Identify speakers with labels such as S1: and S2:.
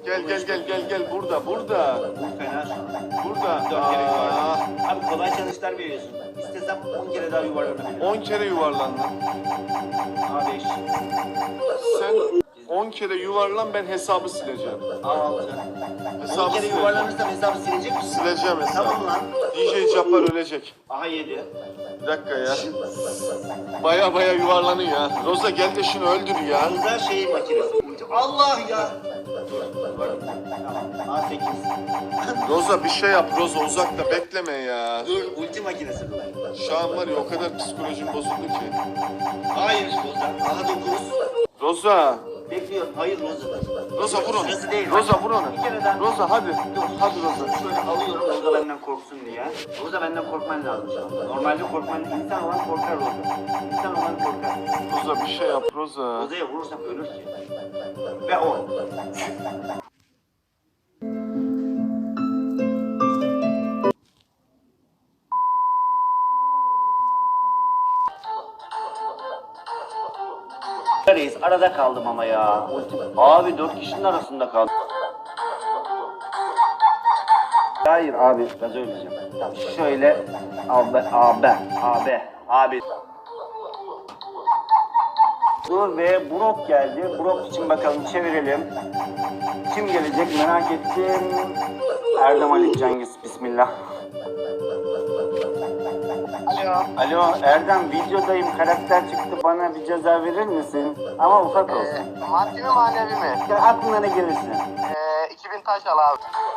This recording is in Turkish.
S1: Gel burada.
S2: Bu fena şu an.
S1: Burada.
S2: 4 kere yuvarlandım. Abi kolay challenge'lar veriyorsun. İstesem 10 kere daha yuvarlanabilirim.
S1: 10 kere yuvarlandın.
S2: A5.
S1: Sen 10 kere yuvarlan, ben hesabı sileceğim.
S2: A6. 10
S1: Hesabı
S2: kere
S1: sileceğim.
S2: yuvarlanırsam hesabı silecek misin?
S1: Sileceğim hesabı.
S2: Tamam lan.
S1: DJ Cabbar ölecek.
S2: Aha 7.
S1: Bir dakika ya. Baya yuvarlanıyor ya. Roza gel de şunu öldür ya.
S2: Güzel şey makinesi. Allah ya. Tamam. A8.
S1: Roza bir şey yap Roza, uzakta bekleme ya.
S2: Dur ulti makinesi bu.
S1: Şu an var ya, o kadar psikolojim bozuldu ki.
S2: Hayır Roza. Aha 9.
S1: Roza.
S2: Bekliyorum. Hayır Roza.
S1: Roza vur onu.
S2: Sırası değil.
S1: Roza vur onu.
S2: Bir kere daha.
S1: Roza hadi. Hadi Roza.
S2: Şöyle alıyorum Roza benden korksun diye. Roza benden korkman lazım şu anda. Normalde korkman, insan olan korkar Roza. İnsan olan korkar.
S1: Roza bir şey yap Roza.
S2: Roza'ya vurursam ölür ki. Ve 10. Reis arada kaldım ama ya. Abi 4 kişinin arasında kaldım. Hayır abi, gaz öleceğim. Şöyle abi. Dur ve Brok geldi. Brok için bakalım çevirelim. Kim gelecek merak ettim. Erdem Ali Cengiz, bismillah. Alo Erdem, videodayım, karakter çıktı, bana bir ceza verir misin? Ama ufak olsun.
S3: Maddi mi manevi mi?
S2: Ya aklına ne gelirse.
S3: 2000 taş al abi.